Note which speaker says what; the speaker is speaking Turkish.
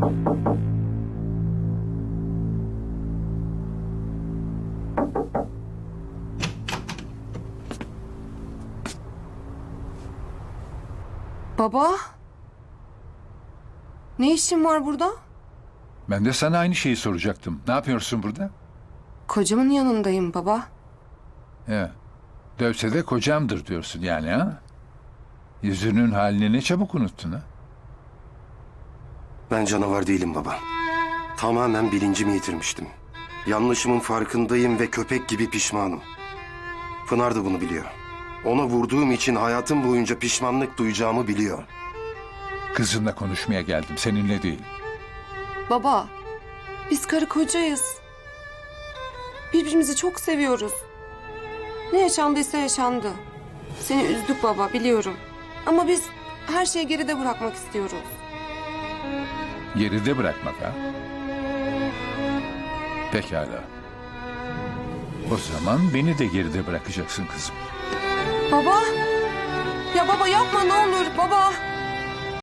Speaker 1: Baba? Ne işin var burada?
Speaker 2: Ben de sana aynı şeyi soracaktım. Ne yapıyorsun burada?
Speaker 1: Kocamın yanındayım baba.
Speaker 2: He. Dövse de kocamdır diyorsun yani ha? Yüzünün halini ne çabuk unuttun ha?
Speaker 3: Ben canavar değilim baba. Tamamen bilincimi yitirmiştim. Yanlışımın farkındayım ve köpek gibi pişmanım. Pınar da bunu biliyor. Ona vurduğum için hayatım boyunca pişmanlık duyacağımı biliyor.
Speaker 2: Kızınla konuşmaya geldim, seninle değil.
Speaker 1: Baba, biz karı kocayız. Birbirimizi çok seviyoruz. Ne yaşandıysa yaşandı. Seni üzdük baba, biliyorum. Ama biz her şeyi geride bırakmak istiyoruz.
Speaker 2: Geride bırakmak ha? Pekala. O zaman beni de geride bırakacaksın kızım.
Speaker 1: Baba! Ya baba yapma ne olur baba!